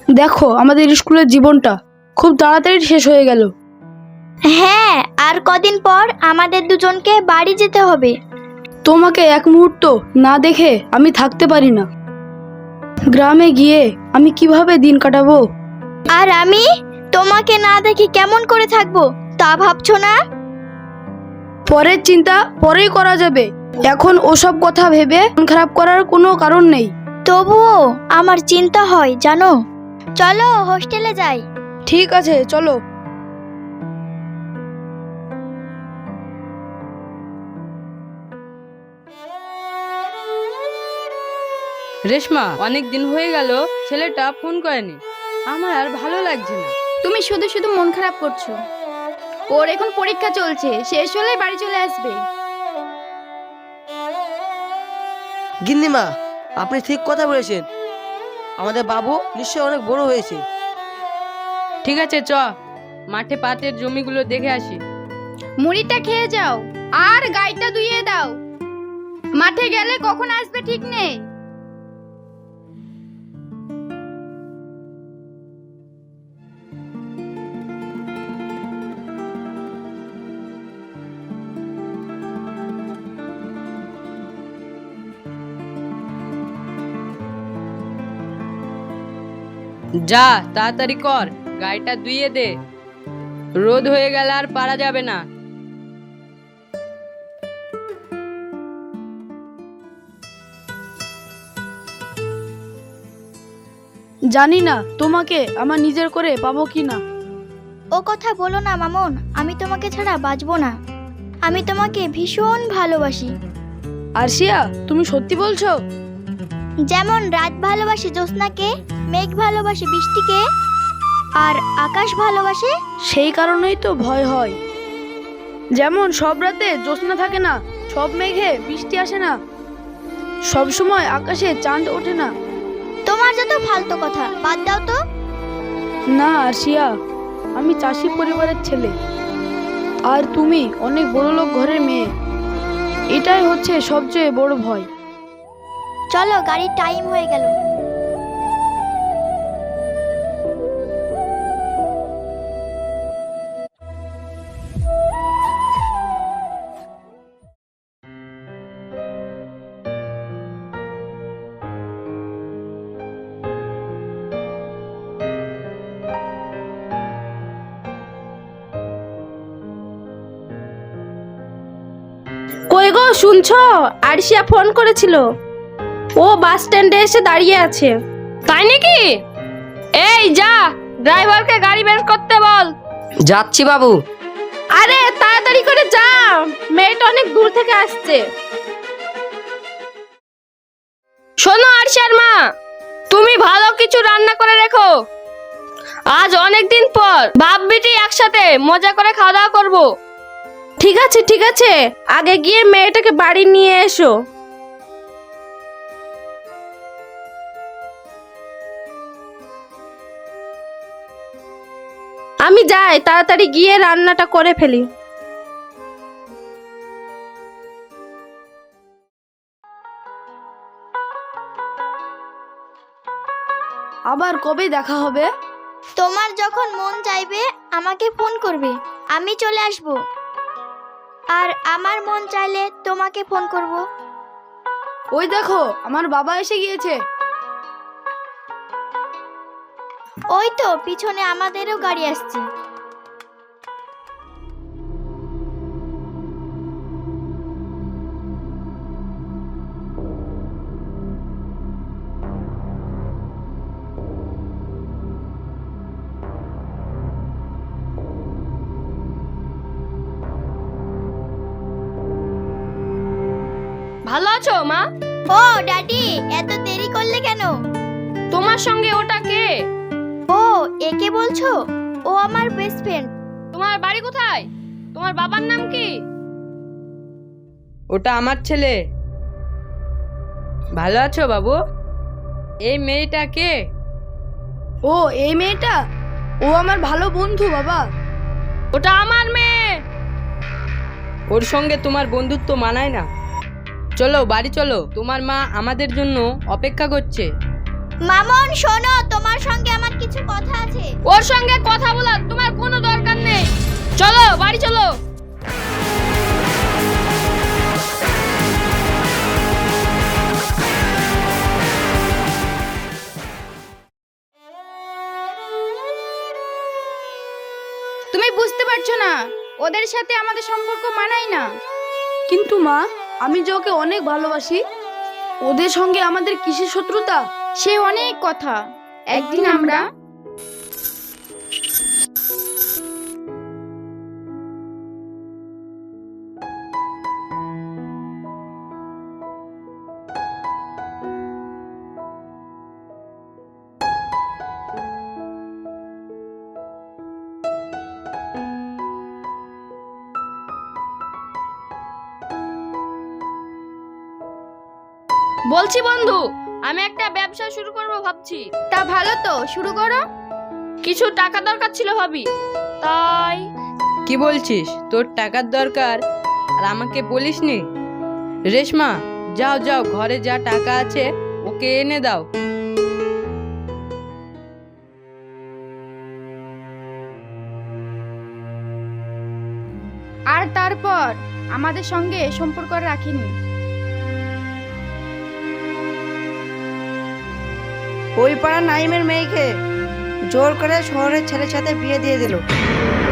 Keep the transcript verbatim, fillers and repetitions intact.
দেখো আমাদের স্কুলের জীবনটা খুব তাড়াতাড়ি শেষ হয়ে গেল। হ্যাঁ, আর কদিন পর আমাদের দুজনকে বাড়ি যেতে হবে। তোমাকে এক মুহূর্ত না দেখে আমি থাকতে পারি না। গ্রামে গিয়ে আমি কিভাবে দিন কাটাবো? আর আমি তোমাকে না দেখে কেমন করে থাকবো তা ভাবছো না? পরের চিন্তা পরেই করা যাবে, এখন ওসব কথা ভেবে মন খারাপ করার কোনো কারণ নেই। তবুও আমার চিন্তা হয় জানো। চলো হোস্টেলে যাই। ঠিক আছে চলো। রেশমা, অনেক দিন হয়ে গেল ছেলেটা ফোন করেনি, আমার আর ভালো লাগছে না। তুমি শুধু শুধু মন খারাপ করছো। ওর এখন পরীক্ষা চলছে, শেষ হলে বাড়ি চলে আসবে। গিন্নিমা, আপনি ঠিক কথা বলেছেন। আমাদের বাবু নিশ্চয়ই অনেক বড় হয়েছে। ঠিক আছে, চ মাঠে পাটের জমিগুলো দেখে আসি। মুড়িটা খেয়ে যাও আর গাইটা ধুইয়ে দাও। মাঠে গেলে কখন আসবে ঠিক নেই। যা তাড়াতাড়ি কর, গাড়িটা ধুইয়ে দে, রোদ হয়ে গেলে আর পারা যাবে না। জানি না তোমাকে আমার নিজের করে পাবো কি না। ও কথা বলো না মামুন, আমি তোমাকে ছাড়া বাঁচবো না। আমি তোমাকে ভীষণ ভালোবাসি। আরশিয়া, তুমি সত্যি বলছো? যেমন রাত ভালোবাসে জ্যোৎস্নাকে, মেঘ ভালোবাসে বৃষ্টিকে, আর আকাশ ভালোবাসে। সেই কারণেই তো ভয় হয়। যেমন সব রাতে জ্যোৎস্না থাকে না, সব মেঘে বৃষ্টি আসে না, সব সময় আকাশে চাঁদ ওঠে না। তোমার যত ফালতু কথা বাদ দাও তো। না আরশিয়া, আমি চাষি পরিবারের ছেলে, আর তুমি অনেক বড় লোক ঘরের মেয়ে। এটাই হচ্ছে সবচেয়ে বড় ভয়। চলো, গাড়ির টাইম হয়ে গেল। কই গো, শুনছো? আরশিয়া ফোন করেছিল, ও বাস স্ট্যান্ডে এসে দাঁড়িয়ে আছে। তাই নাকি? এই যা, ড্রাইভারকে গাড়ি বের করতে বল। যাচ্ছি বাবু। আরে তাড়াতাড়ি করে যা, মেয়েটা অনেক দূর থেকে আসছে। শোনো আরশিয়ার মা, তুমি ভালো কিছু রান্না করে রেখো। আজ অনেক দিন পর বাপ বেটি একসাথে মজা করে খাওয়া দাওয়া করবো। ঠিক আছে ঠিক আছে, আগে গিয়ে মেয়েটাকে বাড়ি নিয়ে এসো। আমি যাই, তাড়াতাড়ি গিয়ে রান্নাটা করে ফেলি। আবার কবে দেখা হবে? তোমার যখন মন চাইবে আমাকে ফোন করবে, আমি চলে আসব। আর আমার মন চাইলে তোমাকে ফোন করব। ওই দেখো আমার বাবা এসে গিয়েছে। ওই তো পিছনে আমাদেরও গাড়ি আসছে। ভালো আছো মা? ও ড্যাডি, এত দেরি করলে কেন? তোমার সঙ্গে ওটা কে? ও, একে বলছো? ও আমার বেস্ট ফ্রেন্ড। তোমার বাড়ি কোথায়? তোমার বাবার নাম কি? ওটা আমার ছেলে। ভালো আছো বাবু? এই মেয়েটা কে? ও এই মেয়েটা, ও আমার ভালো বন্ধু বাবা। ওটা আমার মেয়ে। ওর সঙ্গে তোমার বন্ধুত্ব মানায় না। চলো বাড়ি চলো, তোমার মা আমাদের জন্য অপেক্ষা করছে। মামন শোনো, তোমার সঙ্গে আমার কিছু কথা আছে। ওর সঙ্গে কথা বলার তোমার কোনো দরকার নেই। চলো বাড়ি চলো। তুমি বুঝতে পারছো না, ওদের সাথে আমাদের সম্পর্ক মানায় না। কিন্তু মা, আমি যে ওকে অনেক ভালোবাসি, ওদের সঙ্গে আমাদের কিসের শত্রুতা? সে অনেক কথা। একদিন আমরা বলছি বন্ধু, আমি একটা ব্যবসা শুরু করব ভাবছি। তা ভালো তো, শুরু করো। কিছু টাকা দরকার ছিল ভাবি, তাই। কি বলছিস? তোর টাকার দরকার আর আমাকে বলিসনি? রেশমা, যাও যাও, ঘরে যা টাকা আছে ওকে এনে দাও। আর তারপর আমাদের সঙ্গে সম্পর্ক রাখিনি। ওই পাড়া নাইমের মেয়েকে জোর করে শহরের ছেলের সাথে বিয়ে দিয়ে দিল।